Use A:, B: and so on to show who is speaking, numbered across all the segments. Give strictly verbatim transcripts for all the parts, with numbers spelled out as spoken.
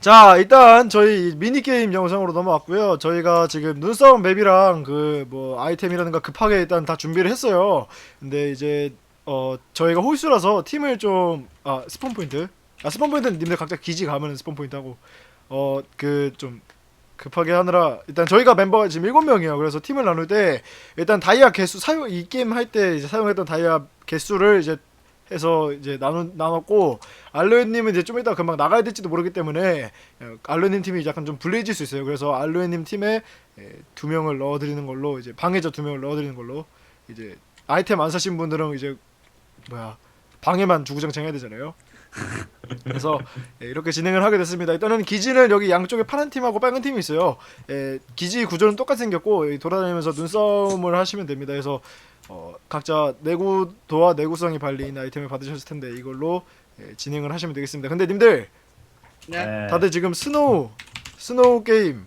A: 자, 일단 저희 미니게임 영상으로 넘어왔고요. 저희가 지금 눈싸움 맵이랑 그 뭐 아이템이라든가 급하게 일단 다 준비를 했어요. 근데 이제 어 저희가 홀수라서 팀을 좀 아 스폰 포인트 아 스폰 포인트는 님들 각자 기지 가면은 스폰 포인트 하고 어 그 좀 급하게 하느라 일단 저희가 멤버가 지금 일곱 명이에요. 그래서 팀을 나눌 때 일단 다이아 개수 사용 이 게임 할 때 이제 사용했던 다이아 개수를 이제 해서 이제 나눠 나눴고 알로에님은 이제 좀 이따 금방 나가야 될지도 모르기 때문에 알로에님 팀이 약간 좀 불리해질 수 있어요. 그래서 알로에님 팀에 두 명을 넣어드리는 걸로 이제 방해자 두 명을 넣어드리는 걸로 이제 아이템 안 사신 분들은 이제 뭐야 방해만 주구장창 해야 되잖아요. 그래서 예, 이렇게 진행을 하게 됐습니다. 일단은 기지는 여기 양쪽에 파란 팀하고 빨간 팀이 있어요. 예, 기지 구조는 똑같이 생겼고 여기 돌아다니면서 눈싸움을 하시면 됩니다. 그래서 어, 각자 내구도와 내구성이 발린 아이템을 받으셨을 텐데 이걸로 예, 진행을 하시면 되겠습니다. 근데 님들
B: 네.
A: 다들 지금 스노우 스노우 게임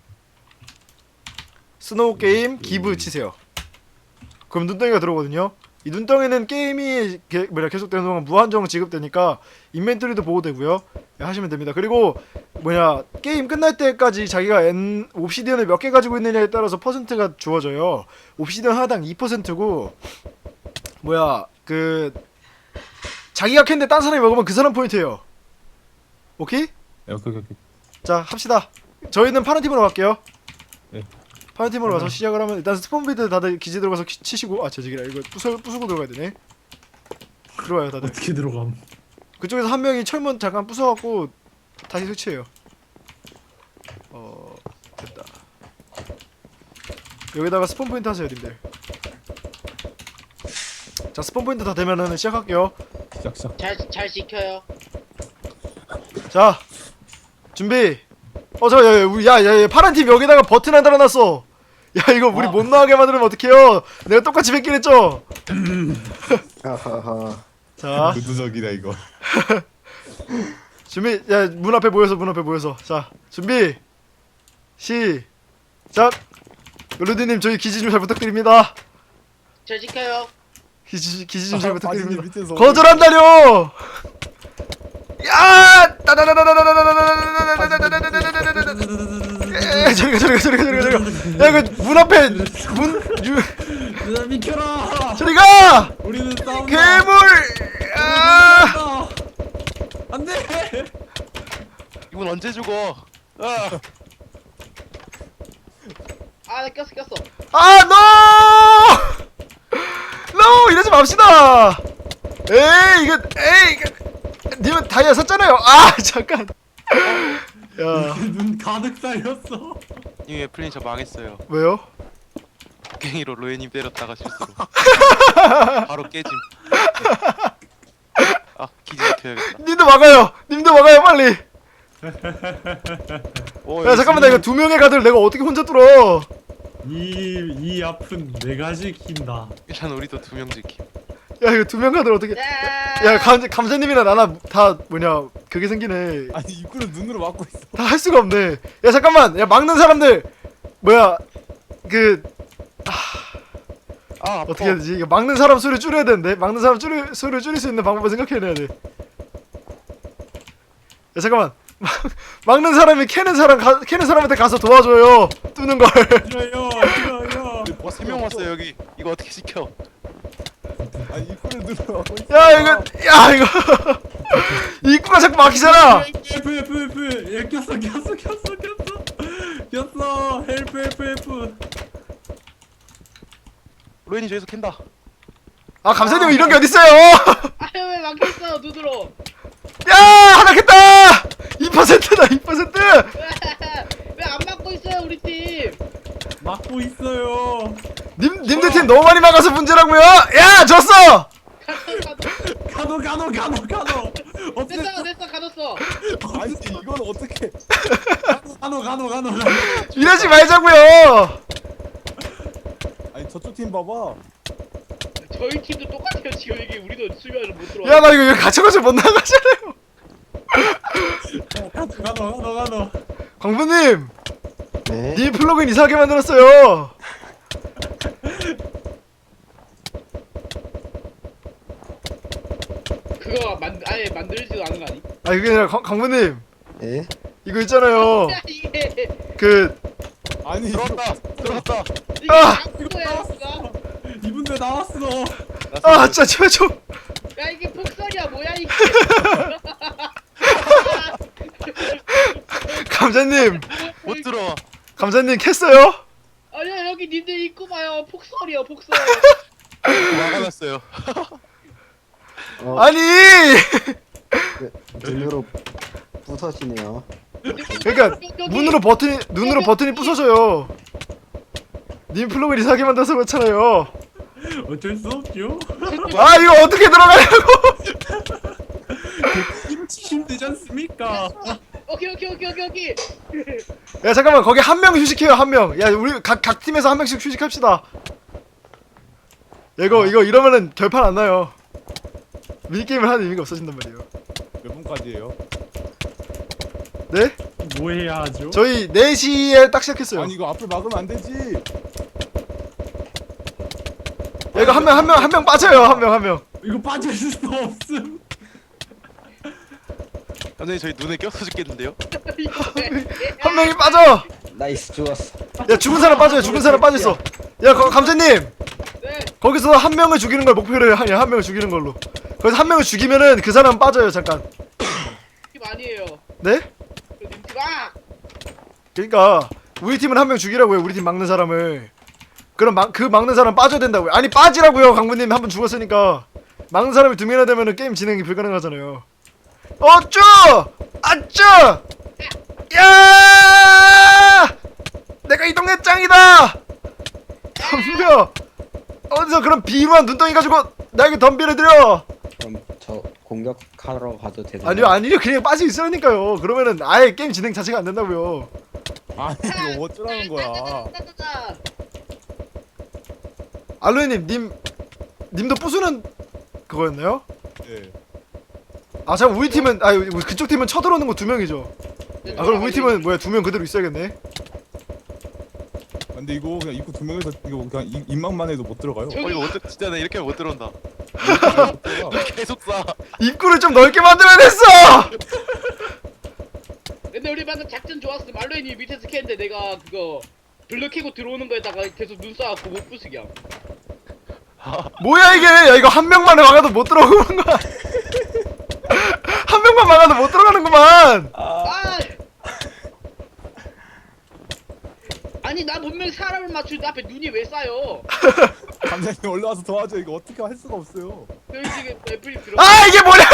A: 스노우 게임 기브 치세요. 그럼 눈덩이가 들어오거든요. 이 눈덩이는 게임이 게, 뭐냐 계속되는 동안 무한정 지급되니까 인벤토리도 보호되고요. 예, 하시면 됩니다. 그리고 뭐냐 게임 끝날 때까지 자기가 엔 옵시디언을 몇 개 가지고 있느냐에 따라서 퍼센트가 주어져요. 옵시디언 하나당 이 퍼센트고 뭐야 그 자기가 캔데 딴 사람이 먹으면 그 사람 포인트예요. 오케이?
B: 네, 오케이 오케이.
A: 자 합시다. 저희는 파란 팀으로 갈게요.
B: 네.
A: 파란 팀으로 가서 시작을 하면 일단 스폰비드 다들 기지 들어가서 키, 치시고 아 제지기라 이거 부수, 부수고 들어가야 되네. 들어와요 다들.
C: 어떻게 들어감?
A: 그쪽에서 한 명이 철문 잠깐 부숴갖고 다시 설치해요. 어 됐다. 여기다가 스폰 포인트 하세요 님들. 자 스폰 포인트 다 되면은 시작할게요.
B: 시작 시작.
D: 잘, 잘 지켜요.
A: 자 준비. 어 저 야, 야, 우리 야야 야, 파란 팀 여기다가 버튼 하나 달아놨어. 야 이거 우리
C: 아.
A: 못 나가게 만들면 어떡해요. 내가 똑같이 뵙긴 했죠.
E: 하하하.
A: 자
B: 구두적이다 이거.
A: 준비. 야 문 앞에 모여서 문 앞에 모여서 자 준비 시작. 루디님 저희 기지 좀 잘 부탁드립니다.
D: 잘 지켜요.
A: 기지 기지 좀 잘
B: 아,
A: 부탁드립니다.
B: 바지님 밑에서
A: 거절한다뇨. 야 저리가 저리가 저리가 저리가 저리가. 야 이거 문 앞에 문
C: 누나 비켜라!
A: 저리가
C: 우리는 싸운다!
A: 괴물. 아
C: 안돼!
F: 이건 언제 죽어? 아,
D: 아, 나 꼈어, 꼈어.
A: 아, 노! 노! 이러지 맙시다! 에이, 이거, 에이, 이거, 님은 다이아 샀잖아요! 아, 잠깐! 야,
C: 눈 가득 쌓였어.
F: 이미 플레이 저 망했어요.
A: 왜요?
F: 갱이로 로에님 때렸다가 실수로 바로 깨짐. 아 기지 지켜야겠다.
A: 님도 막아요! 님도 막아요, 빨리!
F: 오,
A: 야, 잠깐만, 나 이거 두 명의 가드를 내가 어떻게 혼자 뚫어!
C: 이, 이 아픈 내가 지킨다.
F: 일단 우리도 두 명 지킴.
A: 야, 이거 두 명 가드를 어떻게.
D: 야,
A: 야, 감, 감자님이나 나나 다, 뭐냐, 그게 생기네.
B: 아니 입구를 눈으로 막고 있어.
A: 다 할 수가 없네. 야, 잠깐만! 야, 막는 사람들! 뭐야, 그,
F: 아 아파.
A: 어떻게 해야 되지? 이거 막는 사람 수를 줄여야 되는데 막는 사람 줄일, 수를 줄일 수 있는 방법을 생각해내야 돼. 야 잠깐만 막, 막는 사람이 캐는 사람 가, 캐는 사람한테 가서 도와줘요. 뚫는 걸.
C: 싫어요, 싫어요.
F: 와 세 명 왔어 여기. 이거 어떻게 지켜?
B: 아니 입구를 눈으로 막고 있어.
A: 야 이거 야 이거 입구가 자꾸 막히잖아.
C: F, F, F. 얘 꼈어, 꼈어, 꼈어, 꼈어. 꼈어. 헬프, 헬프, 헬프.
F: 로엔이 저기서 캔다.
A: 아 감사님 이런 게 어딨어요?
D: 아, 왜 막혔어, 눈으로.
A: 야 하나 캤다. 이 퍼센트다 이 퍼센트.
D: 왜 안 막고 있어요, 우리 팀?
C: 막고 있어요.
A: 님 님들 팀 너무 많이 막아서 문제라고요. 야 졌어.
D: 가도, 가도.
C: 가노, 가노, 가노, 가노. 없앴어.
D: 됐어, 됐어, 가뒀어.
B: 아니 이건 어떻게?
C: 가노, 가노, 가노, 가노.
A: 이러지 말자고요.
B: 아니 저쪽 팀 봐봐.
D: 저희 팀도 똑같아요, 지금 이게. 우리도 수비를 못 들어와.
A: 야 나 이거 여기 갇혀가지고 못 나가잖아요.
C: 가노, 가노, 가노, 가노.
A: 광부님.
E: 네.
A: 님 플러그인 이상하게 만들었어요.
D: 그거 만, 아예 만들지도 않은 거 아니?
A: 아 그게 아니라 광- 광부님
E: 예?
A: 이거 있잖아요.
D: 야 이게
A: 그
B: 아니
F: 들어왔다 들어왔다.
D: 이게
A: 아!
D: 뭐야 진짜.
C: 이분들 나왔어.
A: 아, 진짜 제발 좀.
D: 야 이게 폭설이야 뭐야 이게.
A: 감자님,
F: 못 들어와.
A: 감자님 캤어요?
D: 아니야 여기 님들 입고 봐요 폭설이야 폭설.
F: 막아놨어요.
E: 어,
A: 아니.
E: 눈으로 부서지네요.
A: 그러니까 문으로 버튼이 눈으로 버튼이 부서져요. 님 플러그를 이상하게 만들어서 그렇잖아요.
C: 어쩔 수 없죠.
A: 아, 이거 어떻게 들어가냐고.
C: 김치 힘들지 않습니까?
D: 오케이 오케이 오케이 오케이 오케이.
A: 야, 잠깐만, 거기 한 명 휴식해요. 한 명. 야, 우리 각 각 팀에서 한 명씩 휴식합시다. 야, 이거 이거 이러면은 결판 안 나요. 미니 게임을 하는 의미가 없어진단 말이에요.
B: 몇 분까지예요?
A: 네?
C: 뭐 해야 하죠?
A: 저희 네 시에 딱 시작했어요.
B: 아니 이거 앞을 막으면 안 되지.
A: 야, 이거 한 명 한 명 한 명 빠져요. 한 명 한 명.
C: 이거 빠질 수도 없음.
F: 선생님 저희 눈에 껴서 죽겠는데요?
A: 한 명이 빠져.
E: 나이스 좋았어.
A: 야, 죽은 사람 빠져요. 죽은 사람 빠졌어. 야, 거, 감자님.
D: 네.
A: 거기서 한 명을 죽이는 걸 목표로 하냐? 한 명을 죽이는 걸로. 거기서 한 명을 죽이면은 그 사람 빠져요. 잠깐.
D: 팀 아니에요.
A: 네?
D: 님 팀 아.
A: 그러니까 우리 팀은 한 명 죽이라고요. 우리 팀 막는 사람을. 그럼 막, 그 막는 사람 빠져야 된다고요. 아니, 빠지라고요. 강부님 한 번 죽었으니까. 막는 사람이 두 명이나 되면은 게임 진행이 불가능하잖아요. 어쭈! 아쭈! 야! 내가 이 동네 짱이다! 덤벼! 어디서 그런 비루한 눈덩이 가지고 나에게 덤비를 들여!
E: 그럼 저 공격하러 가도 되나요?
A: 아니요, 아니요. 그냥 빠져 있으라니까요. 그러면은 아예 게임 진행 자체가 안 된다고요.
B: 아니 이거 어쩌라는 거야.
D: 따따따따따.
A: 알로에님, 님, 님도 부수는 그거였나요?
B: 네.
A: 아, 잠깐, 우리 팀은, 아, 우리 그쪽 팀은 쳐들어오는 거 두 명이죠. 아, 그럼 우리 팀은 뭐야, 두 명 그대로 있어야겠네.
B: 근데 이거 그냥 입구 두 명에서 이거 그냥 입, 입막만 해도 못 들어가요.
F: 어 이거 어떻게 진짜 나 이렇게 하면 못 들어온다.
B: 못 들어가.
F: 계속 쏴.
A: 입구를 좀 넓게 만들어야 됐어!
D: 근데 우리 방금 작전 좋았어. 말로인이 밑에서 캤는데 내가 그거 블루 캐고 들어오는 거에다가 계속 눈 쏴갖고 못 부수게 함.
A: 뭐야, 이게! 야, 이거 한 명만 막아도 못 들어오는 거야. 한 명만 막아도 못 들어가는구만!
D: 아! 아니 나 분명히 사람을 맞추는데 앞에 눈이 왜 쌓여?
B: 감독님 올라와서 도와줘. 이거 어떻게 할 수가 없어요.
D: 여기 지금 애플이 들어.
A: 아, 이게 뭐냐고!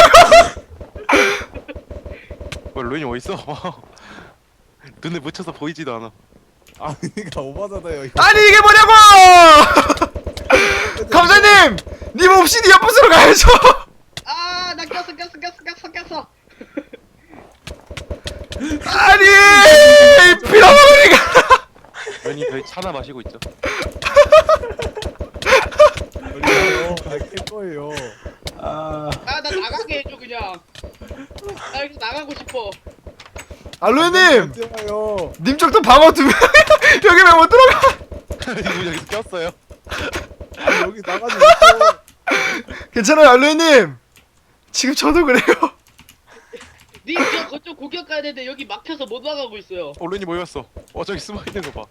F: 뭐 로인이 어딨어? 눈에 묻혀서 보이지도 않아.
B: 아니 그러니까 오바잖아요. 이거.
A: 아니, 이게 뭐냐고! 감사님! 님 없이 니 옆부스로 가야죠!
D: 아, 나 꼈어, 꼈어, 꼈어, 꼈어, 꼈어.
A: 아니! 빌어먹으니까!
F: 로인이 저희 차나 마시고 있죠.
B: 걸려요. 깰 거예요.
E: 아,
D: 아, 나 나가게 해줘 그냥. 나 여기서 나가고 싶어.
A: 알로에님!
B: 어쩌요.
A: 님 쪽도 방어 두 명, 여기 왜 못 들어가?
F: 이분 여기서 꼈어요.
B: 아니 여기 나가지 못해요.
A: 괜찮아요, 알로에님! 지금 저도 그래요.
D: 니저 거쪽 공격 가야 되는데 여기 막혀서 못 나가고 있어요.
F: 어 로인이 모였어. 어 저기 숨어 있는 거 봐.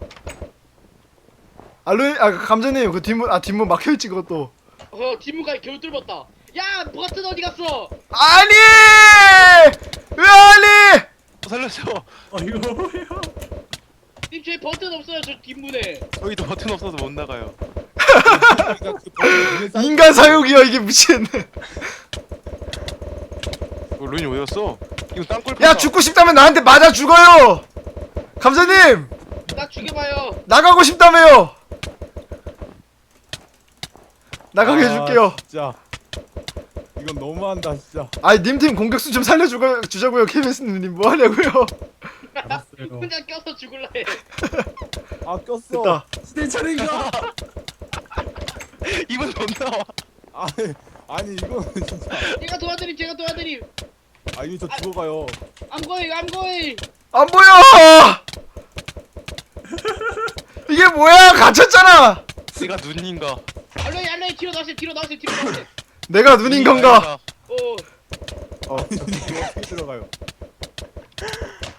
A: 알로에, 아, 감자님, 그 뒷문, 아, 뒷문 막혀있지, 그것도.
D: 어, 뒷문까지 겨우 뚫었다. 야, 버튼 어디 갔어?
A: 아니! 왜 아니!
F: 어, 살려줘.
C: 어 이거 뭐야?
D: 님 저희 버튼 없어요 저 뒷문에.
F: 저희도 버튼 없어서 못 나가요.
B: 그러니까 그 버튼 눈에 쌓인
A: 인간 사육이야, 이게 미친.
F: 어, 로인이 어디갔어? 이거 땅굴.
A: 야, 죽고 싶다면 나한테 맞아 죽어요! 감자님!
D: 나 죽여봐요.
A: 나가고 싶다며요! 나가게
B: 아,
A: 해줄게요.
B: 진짜 이건 너무한다 진짜.
A: 아이, 님팀 공격수 좀 살려주자고요, 케이비에스님. 뭐하냐고요?
C: 알았어요.
D: 혼자 껴서 죽을라 해.
B: 아 꼈어.
A: 됐다.
C: 내 차례인가?
F: 이분 못 나와.
B: 아니 아니 이거는 진짜.
D: 제가 도와드림, 제가 도와드림.
B: 아 이거 저 죽어가요.
D: I'm going, I'm going.
A: 안 보여! 이게 뭐야? 갇혔잖아!
F: 내가 눈인가?
D: 알로이, 알로이 뒤로 나오세요, 뒤로 나오세요, 뒤로 나오세요.
A: 내가 눈인 건가?
D: 어.
B: 아니 이거 어떻게 들어가요?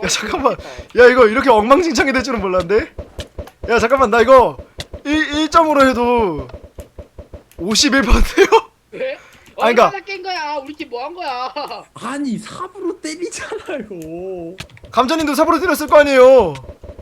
A: 야 잠깐만. 야 이거 이렇게 엉망진창이 될 줄은 몰랐는데. 야 잠깐만 나 이거 일 점으로 해도 오십일 퍼센트요?
D: 왜?
A: 아니, 그러니까-
D: 얼마나 깬 거야? 우리 팀 뭐 한 거야?
C: 아니 삽으로 때리잖아요.
A: 감자님도 삽으로 때렸을 거 아니에요.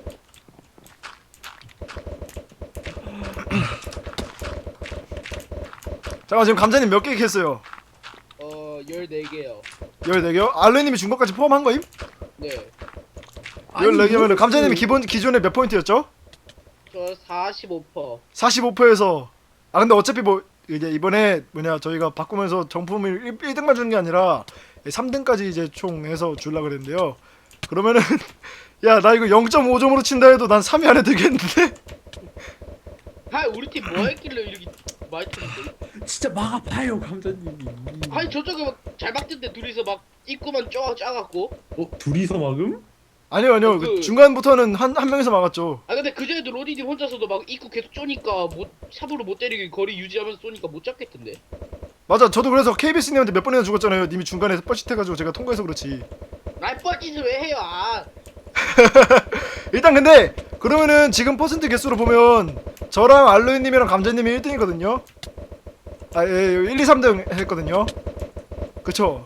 A: 잠깐 지금 감자님 몇 개 캤어요?
D: 어 열네 개요.
A: 열네 개요? 알레님이 준 것까지 포함한 거임?
D: 네.
A: 열네 개면은 감자님이 기본 기존에 몇 포인트였죠?
D: 저 사십오 퍼센트.
A: 사십오 퍼센트에서 아 근데 어차피 뭐 이제 이번에 뭐냐 저희가 바꾸면서 정품을 일 등만 주는 게 아니라 삼 등까지 이제 총 해서 줄라 그랬는데요. 그러면은 야 나 이거 영 점 오 점으로 친다 해도 난 삼 위 안에 들겠는데?
D: 아 우리 팀 뭐 했길래 이렇게 많이 틀는데?
C: 진짜 막아봐요 감자님이.
D: 아니 저쪽에 막 잘 막던데 둘이서 막 입구만 쪼 짜갖고.
C: 어 둘이서 막음?
A: 아니요 아니요
D: 그-
A: 그 중간부터는 한 한 명에서 막았죠.
D: 아 근데 그전에도 로디님 혼자서도 막 입구 계속 쪼니까 못 삽으로 못 때리게 거리 유지하면서 쏘니까 못 잡겠던데.
A: 맞아 저도 그래서 케이비에스님한테 몇 번이나 죽었잖아요. 님이 중간에 뻘짓해가지고 제가 통과해서 그렇지.
D: 날 뻘짓을 왜 해요? 아.
A: 일단 근데 그러면은 지금 퍼센트 개수로 보면 저랑 알로이님이랑 감자님이 일 등이거든요. 아, 예, 일, 이, 삼 등 했거든요. 그쵸?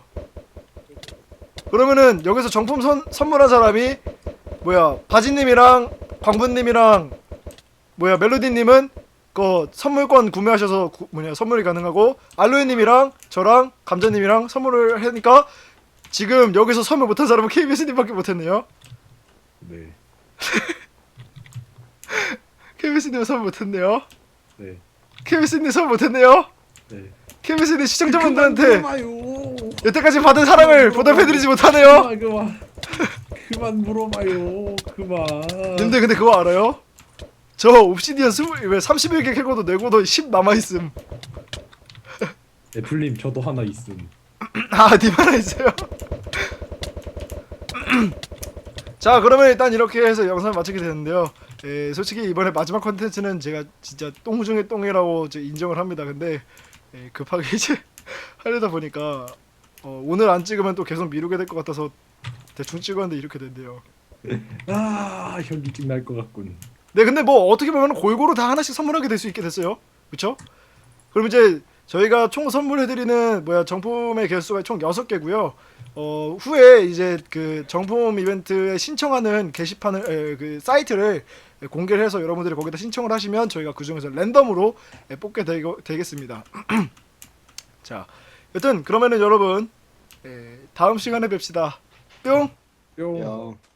A: 그러면은 여기서 정품 선, 선물한 사람이 뭐야 바지님이랑 광분님이랑 뭐야 멜로디님은 그 선물권 구매하셔서 구, 뭐냐 선물이 가능하고 알로이님이랑 저랑 감자님이랑 선물을 하니까 지금 여기서 선물 못한 사람은 케이비에스님밖에 못했네요.
C: 네.
A: 케이비에스님 선물 못했네요.
C: 네.
A: 케이비에스님 선물 못했네요.
C: 네.
A: 케이비에스님 시청자분들한테
C: 물어봐요.
A: 여태까지 받은 사랑을 보답해드리지 못하네요.
C: 그만 그만. 그만 물어봐요. 그만.
A: 님들 근데 그거 알아요? 저 옵시디언 스물 왜 삼십일 개 캐고도 내고도 십 남아있음.
C: 애플님 저도 하나 있음.
A: 아, 님 하나 있어요. 자, 그러면 일단 이렇게 해서 영상을 마치게 되는데요. 에, 솔직히 이번에 마지막 컨텐츠는 제가 진짜 똥 중에 똥이라고 저 인정을 합니다. 근데 에, 급하게 이제 하려다 보니까 어, 오늘 안 찍으면 또 계속 미루게 될 것 같아서 대충 찍었는데 이렇게 된대요.
C: 아 현기증 날 것 같군.
A: 네, 근데 뭐 어떻게 보면 골고루 다 하나씩 선물하게 될 수 있게 됐어요. 그쵸? 그럼 이제 저희가 총 선물해드리는 뭐야 정품의 개수가 총 여섯 개고요. 어, 후에 이제 그 정품 이벤트에 신청하는 게시판을 에, 그 사이트를 공개를 해서 여러분들이 거기다 신청을 하시면 저희가 그 중에서 랜덤으로 에, 뽑게 되, 되겠습니다. 자, 여튼 그러면은 여러분 에, 다음 시간에 뵙시다. 뿅.
C: 뿅.
E: 야.